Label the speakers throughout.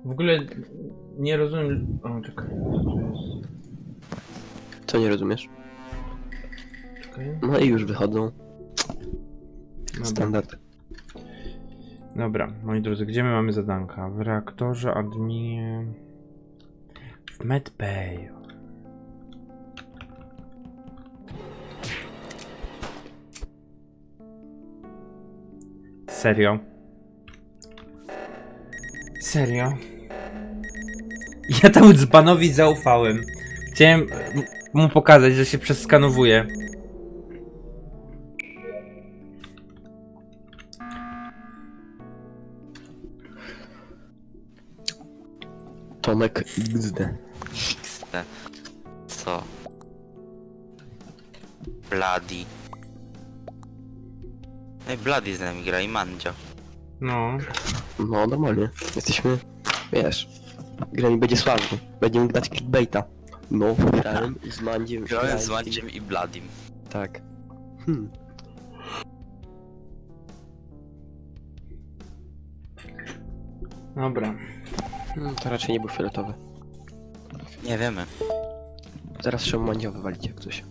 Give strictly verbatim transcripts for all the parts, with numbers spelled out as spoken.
Speaker 1: W ogóle nie rozumiem... O, czekaj. To jest...
Speaker 2: Co nie rozumiesz?
Speaker 1: Czekaj.
Speaker 2: No i już wychodzą.
Speaker 1: Dobra.
Speaker 2: Standard.
Speaker 1: Dobra, moi drodzy, gdzie my mamy zadanka? W reaktorze, adminie... W medbay. Serio? Serio? Ja temu dzbanowi zaufałem. Chciałem mu pokazać, że się przeskanowuje.
Speaker 2: Tomek X D.
Speaker 3: X D. Co? Bloody. No i Bloody z nami gra i Mandzio.
Speaker 1: No.
Speaker 2: No normalnie. Jesteśmy, wiesz, gra mi będzie sławny. Będziemy mógł dać clickbaita. No, grałem z Mandziem.
Speaker 3: Grałem z Mandziem i Bloodim.
Speaker 2: Tak. Hmm.
Speaker 1: Dobra.
Speaker 2: Hmm, to raczej nie był fioletowy.
Speaker 3: Nie wiemy.
Speaker 2: Zaraz trzeba Mandzia wywalić jak coś.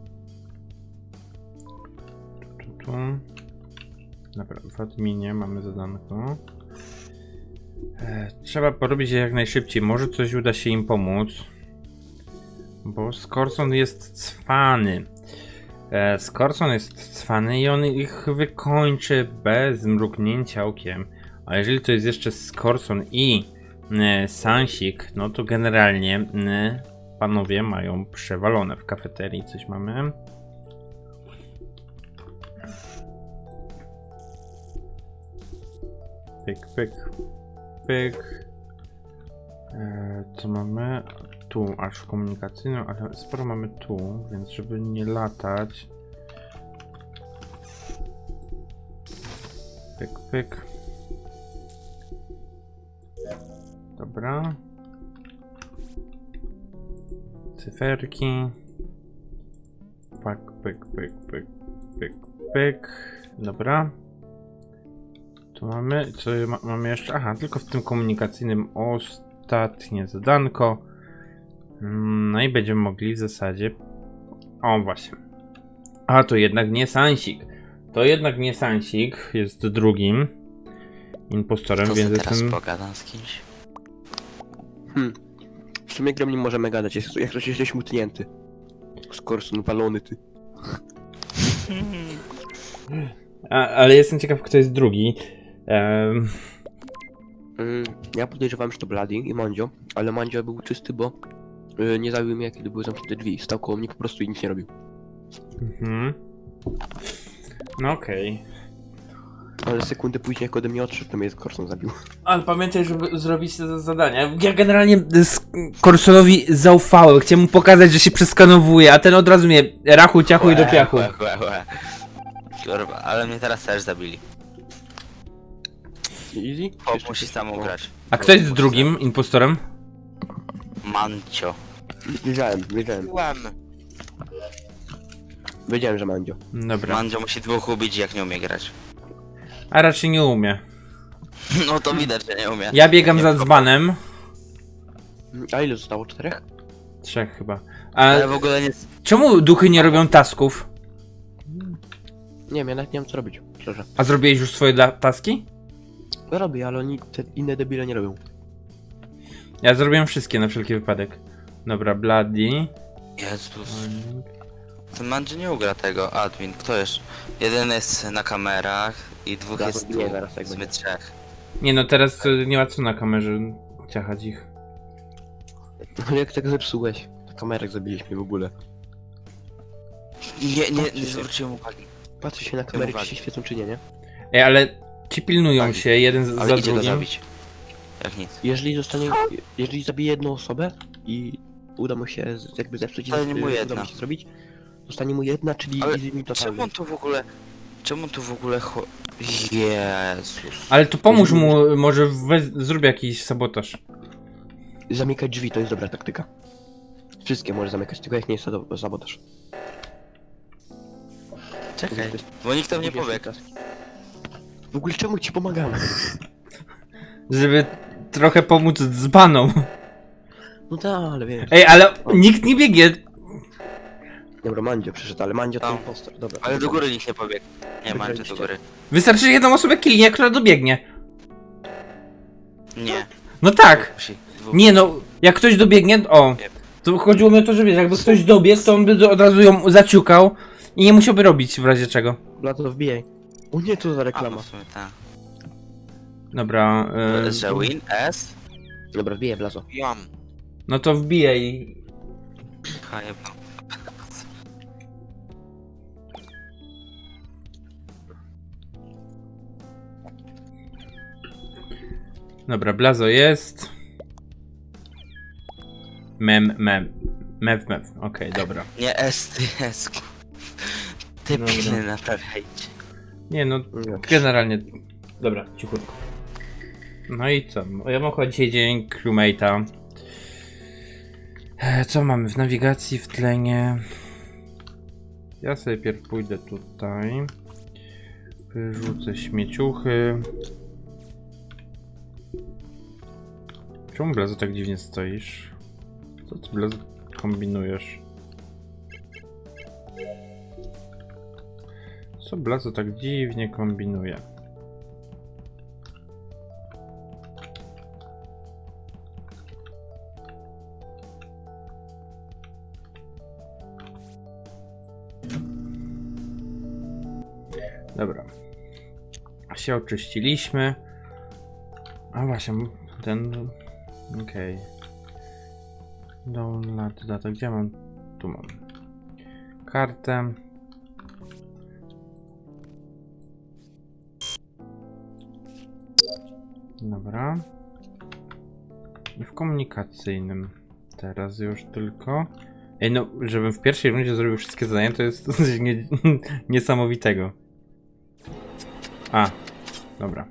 Speaker 1: Tu, tu. Dobra, w adminie mamy zadanko. E, trzeba porobić je jak najszybciej. Może coś uda się im pomóc. Bo Skorson jest cwany. E, Skorson jest cwany i on ich wykończy bez mrugnięcia okiem. A jeżeli to jest jeszcze Skorson i e, Sansik, no to generalnie e, panowie mają przewalone. W kafeterii coś mamy. Pyk, pyk, pyk. E, co mamy? Tu, aż komunikacyjną, ale sporo mamy tu, więc żeby nie latać. Pyk, pyk. Dobra. Cyferki. Pyk, pyk, pyk, pyk, pyk, pyk. Dobra. Tu mamy, co ma, mamy jeszcze? Aha, tylko w tym komunikacyjnym ostatnie zadanko. No i będziemy mogli w zasadzie... O, właśnie. A, to jednak nie Sansik. To jednak nie Sansik, jest drugim impostorem,
Speaker 3: To
Speaker 1: więc
Speaker 3: co teraz
Speaker 1: jestem...
Speaker 3: pogadam z kimś?
Speaker 2: Hmm. W sumie gram nie możemy gadać, jest, jak ktoś jesteś mutnięty. Skorson walony ty.
Speaker 1: A, ale jestem ciekaw, kto jest drugi. Um,
Speaker 2: Mm, ja podejrzewałem, że to Bloody i Mandzio, ale Mandzio był czysty, bo y, nie zabił mnie, kiedy były zamknięte drzwi. Stał koło mnie po prostu i nic nie robił.
Speaker 1: mhm. No okej.
Speaker 2: Ale sekundę później, jak ode mnie odszedł, to mnie Skorson zabił.
Speaker 1: Ale pamiętaj, żeby zrobić te zadania. Ja generalnie Korsonowi zaufałem. Chciałem mu pokazać, że się przeskanowuje, a ten od razu mnie rachu, ciachu i do piachu.
Speaker 3: Łe, łe, łe. Kurwa, ale mnie teraz też zabili.
Speaker 2: Easy?
Speaker 3: Chłop musi samą grać.
Speaker 1: A kto jest drugim impostorem?
Speaker 3: Mancio.
Speaker 2: Wiedziałem, wiedziałem.
Speaker 3: Byłem.
Speaker 2: Wiedziałem, że Mandzio.
Speaker 1: Dobra.
Speaker 3: Mandzio musi dwóch ubić, jak nie umie grać.
Speaker 1: A raczej nie umie.
Speaker 3: No to widać, że nie umie.
Speaker 1: Ja biegam
Speaker 3: Nie
Speaker 1: za
Speaker 3: wkopał.
Speaker 1: dzbanem.
Speaker 2: A ile zostało? Czterech?
Speaker 1: Trzech chyba. A
Speaker 3: Ale w ogóle nie...
Speaker 1: czemu duchy nie robią tasków?
Speaker 2: Nie wiem, ja nawet nie wiem co robić, szczerze.
Speaker 1: A zrobiłeś już swoje dla taski?
Speaker 2: No robię, ale oni, te inne debile nie robią.
Speaker 1: Ja zrobiłem wszystkie na wszelki wypadek. Dobra, Bloody.
Speaker 3: Jezus. Ten Mandzio nie ugra tego, admin. Kto jeszcze? Jeden jest na kamerach i dwóch
Speaker 2: Zaraz
Speaker 3: jest tu.
Speaker 2: nie, zaraz jak
Speaker 3: W sumie
Speaker 2: będzie.
Speaker 3: trzech.
Speaker 1: Nie no, teraz y, nie ma co na kamerze ciachać ich.
Speaker 2: No jak tak zepsułeś? Na kamerach zabiliś mnie w ogóle.
Speaker 3: Nie, nie,
Speaker 2: Patrzcie
Speaker 3: nie
Speaker 2: się.
Speaker 3: zwróciłem uwagi.
Speaker 2: Patrzę się na kamery, czy
Speaker 3: uwagi.
Speaker 2: się świecą czy nie, nie?
Speaker 1: Ej, ale ci pilnują
Speaker 3: Tak.
Speaker 1: się jeden z,
Speaker 3: Ale
Speaker 1: za
Speaker 3: idzie go
Speaker 1: drugim.
Speaker 3: zabić. Jak nic.
Speaker 2: Jeżeli zostanie, jeżeli zabije jedną osobę i uda mu się z- jakby zepsuć i
Speaker 3: Zostanie mu
Speaker 2: uda
Speaker 3: jedna.
Speaker 2: mu się zrobić, zostanie mu jedna, czyli
Speaker 3: Ale
Speaker 2: easy mi
Speaker 3: Czemu
Speaker 2: totalny.
Speaker 3: on tu w ogóle... Czemu tu w ogóle cho... Jezus.
Speaker 1: Ale to pomóż mu, może we, zrób jakiś sabotaż.
Speaker 2: Zamykać drzwi to jest dobra taktyka. Wszystkie może zamykać, tylko jak nie jest to sabotaż.
Speaker 3: Czekaj, bo nikt tam nie powie.
Speaker 2: W ogóle czemu ci pomagamy?
Speaker 1: Żeby trochę pomóc dzbanom.
Speaker 2: No tak, ale wiesz.
Speaker 1: Ej, ale nikt nie biegnie.
Speaker 2: Dobra, Mandzio przyszedł, ale Mandzio to
Speaker 3: Tam.
Speaker 2: impostor. Dobra.
Speaker 3: Ale do góry nikt nie pobiegł. Nie, Mandzio do
Speaker 2: Wygraliście.
Speaker 3: góry.
Speaker 1: Wystarczy jedną osobę kilnie, która dobiegnie.
Speaker 3: Nie.
Speaker 1: No tak.
Speaker 3: Musi. Dwóch.
Speaker 1: Nie no, jak ktoś dobiegnie, o. To chodziło mi o to, że wiesz, jakby ktoś dobiegł, to on by do- od razu ją zaciukał i nie musiałby robić w razie czego.
Speaker 2: Blazo, wbijaj. O nie, co za
Speaker 3: A,
Speaker 2: reklama.
Speaker 3: w sumie tak.
Speaker 1: Dobra, yy,
Speaker 3: Że win S?
Speaker 2: Dobra, wbijaj, Blazo.
Speaker 3: Jam.
Speaker 1: no to wbijaj.
Speaker 3: Hajebno.
Speaker 1: Dobra, Blazo jest. Mem, mem. Mew, mew. Okej, dobra.
Speaker 3: Nie S, ty S. Ty
Speaker 1: Dobra.
Speaker 3: piny naprawiajcie.
Speaker 1: Nie no,
Speaker 2: Nie.
Speaker 1: generalnie... Dobra, cichutko. No i co? Ja mam chyba dzisiaj dzień crewmate'a. E, Co mamy w nawigacji, w tlenie? Ja sobie pierw pójdę tutaj. Wyrzucę śmieciuchy. Czemu, Blazo, tak dziwnie stoisz? Co ty, Blazo, kombinujesz? Co Blazo tak dziwnie kombinuje? Dobra. Się oczyściliśmy. A właśnie, ten... Okej. Download data, gdzie mam? Tu mam. Kartę. Dobra. I w komunikacyjnym. Teraz już tylko. Ej, no, żebym w pierwszej rundzie zrobił wszystkie zadania, to jest coś nie, niesamowitego. A, dobra.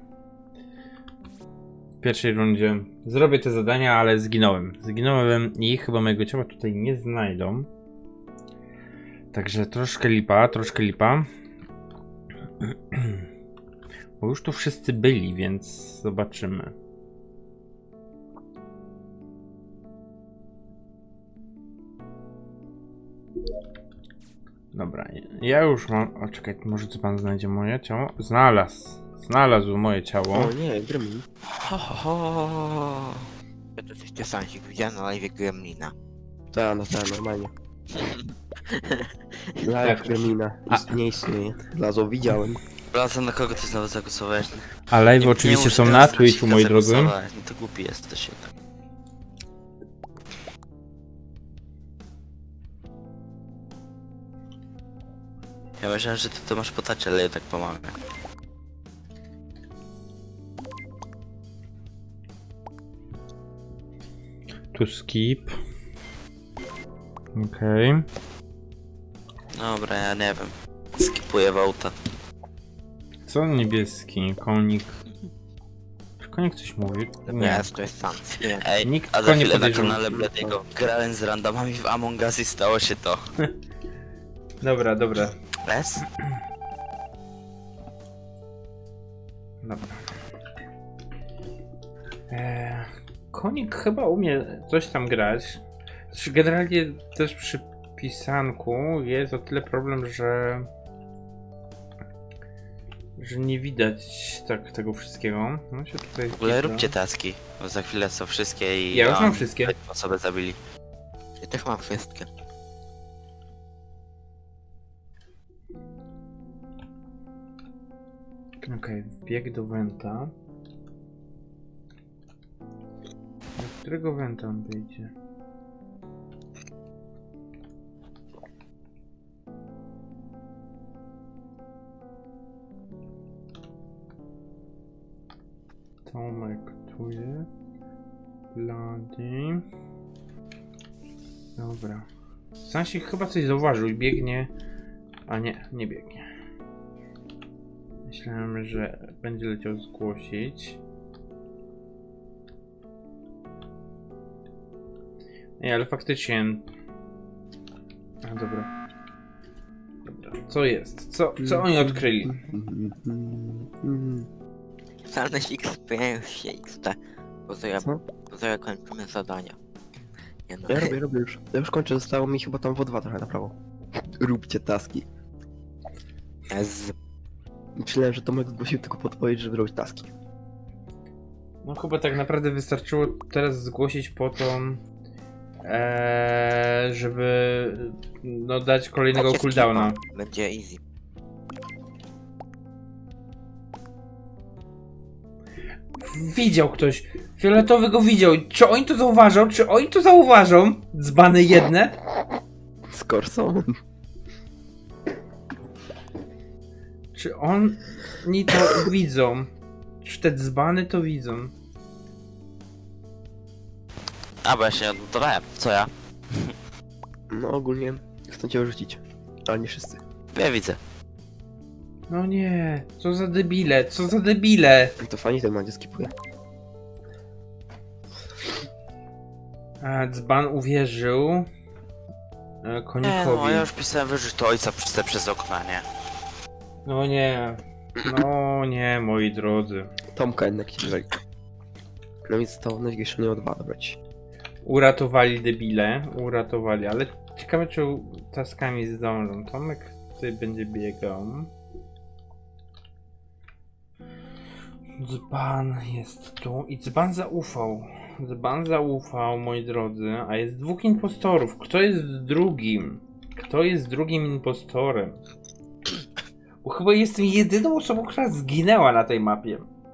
Speaker 1: W pierwszej rundzie zrobię te zadania, ale zginąłem. Zginąłem i chyba mojego ciała tutaj nie znajdą. Także troszkę lipa, troszkę lipa. Bo już tu wszyscy byli, więc zobaczymy. Dobra, ja już mam... O, czekaj, może co pan znajdzie moje ciało? Znalazł. Znalazł moje ciało.
Speaker 2: O nie, Gremlin.
Speaker 3: Ho, ho, ho.
Speaker 4: Ja to coś Sansik widziałem na live Gremlina.
Speaker 2: Tak, no tak, normalnie. Live Gremlina.
Speaker 1: A-
Speaker 2: Ist, nie istnieje. Blazo, widziałem.
Speaker 3: Wracam, na kogo ty znowu zagłosowałeś?
Speaker 1: A live
Speaker 3: Nie-
Speaker 1: oczywiście
Speaker 3: nie
Speaker 1: są
Speaker 3: muszę
Speaker 1: na
Speaker 3: teraz
Speaker 1: Twitchu, moi drodzy.
Speaker 3: zagłosować. No to głupi jesteś jednak. Ja myślałem, że ty to masz potacie, ale ja tak pomagam.
Speaker 1: Tu skip. Okej. Okay.
Speaker 3: Dobra, ja nie wiem. Skipuję Wołta.
Speaker 1: Co niebieski? Konik. Czy konik coś mówi? Nie.
Speaker 4: Ja to jest Sans. Nie.
Speaker 3: Ej,
Speaker 1: Nikt
Speaker 3: a
Speaker 1: go
Speaker 3: za
Speaker 1: nie
Speaker 3: chwilę na
Speaker 1: podejrzewa.
Speaker 3: kanale Bladiego grałem z randomami w Among Us i stało się to.
Speaker 1: Dobra, dobra.
Speaker 3: S?
Speaker 1: Dobra. Eee, konik chyba umie coś tam grać. Znaczy, generalnie też przy pisanku jest o tyle problem, że że nie widać tak tego wszystkiego. No się tutaj
Speaker 3: W ogóle
Speaker 1: wpisa.
Speaker 3: róbcie taski, bo za chwilę są wszystkie i...
Speaker 1: Ja już
Speaker 3: a,
Speaker 1: mam wszystkie.
Speaker 3: osobę zabili.
Speaker 4: Ja też mam wszystkie.
Speaker 1: Okej, wbieg do Wenta. Do którego Wenta on wyjdzie? Tomek tu jest. Bloody. Dobra. Sansik chyba coś zauważył i biegnie. A nie, nie biegnie. Myślałem, że będzie leciał zgłosić. Nie, ale faktycznie... A, dobra. Dobra, co jest? Co, co oni odkryli?
Speaker 4: Sansik Experience X T. Bo to ja,
Speaker 2: Co?
Speaker 4: bo to ja kończymy zadania. Nie no.
Speaker 2: Ja robię, robię już. Ja już kończę, zostało mi chyba tam w dwa trochę na prawo. Róbcie taski.
Speaker 4: Ez.
Speaker 2: Myślałem, że Tomek zgłosił tylko podpowiedź, żeby robić taski.
Speaker 1: No chyba tak naprawdę wystarczyło teraz zgłosić po to, eee, żeby no, dać kolejnego
Speaker 4: Dajcie
Speaker 1: cooldowna.
Speaker 4: skipa, będzie easy.
Speaker 1: Widział ktoś. Fioletowy go widział. Czy oni to zauważą? Czy oni to zauważą? Dzbany jedne?
Speaker 2: Z Corsą?
Speaker 1: Czy oni to widzą? Czy te dzbany to widzą?
Speaker 3: A, bo ja się nie odnotowałem. Co ja?
Speaker 2: No ogólnie chcę cię wyrzucić. Ale nie wszyscy.
Speaker 3: Ja widzę.
Speaker 1: No nie, co za debile, co za debile.
Speaker 2: To fajnie ten Mandzio skipuje.
Speaker 1: A, dzban uwierzył e,
Speaker 3: Nie,
Speaker 1: konikowi.
Speaker 3: no, ja już pisałem wyrzuć to ojca przez, przez okna, nie?
Speaker 1: No nie, no nie, moi drodzy.
Speaker 2: Tomka jednak ci wywali. No więc to największe nie odwala brać.
Speaker 1: Uratowali debile, uratowali, ale ciekawe czy taskami zdążą. Tomek tutaj będzie biegał. Dzban jest tu i dzban zaufał. Dzban zaufał, moi drodzy, a jest dwóch impostorów. Kto jest drugim? Kto jest drugim impostorem? Bo chyba jestem jedyną osobą, która zginęła na tej mapie.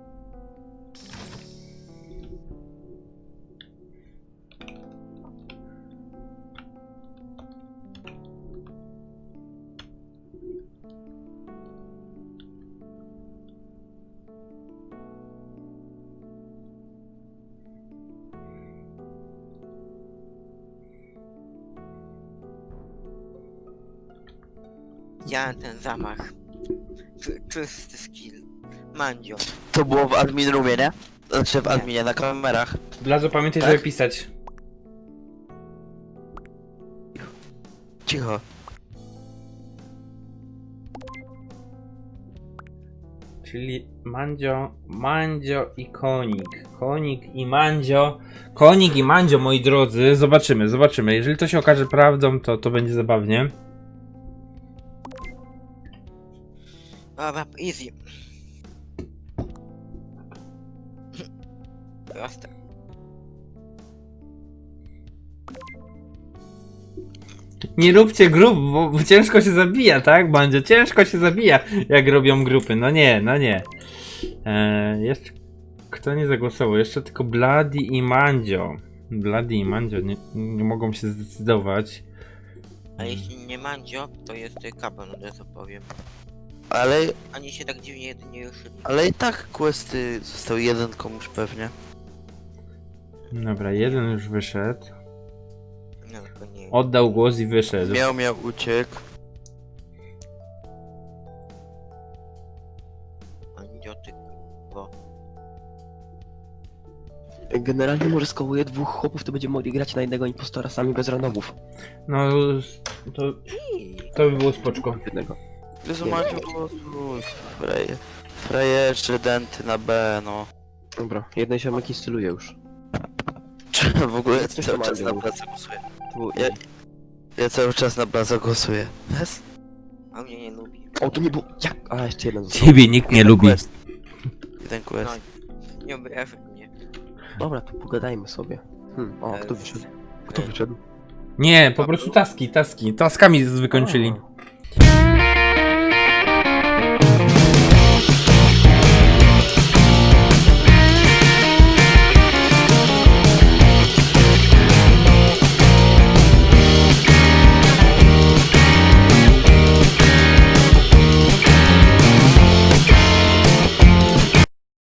Speaker 4: Widziałem ten zamach. Czy, czysty skill. Mandzio.
Speaker 3: To było w admin roomie, nie? Znaczy w
Speaker 4: Nie.
Speaker 3: adminie, na kamerach.
Speaker 1: Blazo, pamiętaj,
Speaker 3: Tak?
Speaker 1: żeby pisać.
Speaker 3: Cicho.
Speaker 1: Czyli Mandzio, Mandzio i Konik. Konik i Mandzio. Konik i Mandzio, moi drodzy. Zobaczymy, zobaczymy. Jeżeli to się okaże prawdą, to to będzie zabawnie.
Speaker 4: Dobra, easy. Proste.
Speaker 1: Nie róbcie grup, bo bo ciężko się zabija, tak, Mandzio? Ciężko się zabija, jak robią grupy. No nie, no nie. Eee, jeszcze kto nie zagłosował? Jeszcze tylko Bloody i Mandzio. Bloody i Mandzio nie, nie mogą się zdecydować.
Speaker 4: A jeśli nie Mandzio, to jest Kaban, od razu powiem.
Speaker 3: Ale,
Speaker 4: Ani się tak dziwnie jedynie ruszyli.
Speaker 3: ale i tak questy został jeden komuś pewnie.
Speaker 1: Dobra, jeden już wyszedł.
Speaker 4: No to nie.
Speaker 1: Oddał głos i wyszedł.
Speaker 3: Miał, miał, uciekł.
Speaker 4: Mandzio, ty bo.
Speaker 2: Generalnie może skołuje dwóch chłopów, to będziemy mogli grać na jednego impostora sami bez randomów.
Speaker 1: No, to, to by było spoczko.
Speaker 2: Jednego.
Speaker 3: Jezu,
Speaker 2: Nie.
Speaker 3: Maciu, głosuj. Freje. Frejerzy, denty na B, no.
Speaker 2: Dobra, jeden ziomek instaluje już.
Speaker 3: W ogóle ja
Speaker 2: Coś
Speaker 3: cały
Speaker 2: tam
Speaker 3: czas na
Speaker 2: było.
Speaker 3: Blaza głosuję.
Speaker 2: To był
Speaker 3: Ja- Ja cały czas na Blaza głosuję. Yes?
Speaker 4: A mnie nie lubi.
Speaker 2: O, to nie było... Jak? A, jeszcze jeden został.
Speaker 1: Ciebie nikt nie lubi.
Speaker 3: Quest. Jeden quest.
Speaker 4: No, nie obrażaj mnie.
Speaker 2: Dobra, to pogadajmy sobie. Hmm, o, kto wyszedł? Kto wyszedł?
Speaker 1: Nie, po prostu taski, taski. Taskami wykończyli.
Speaker 2: A,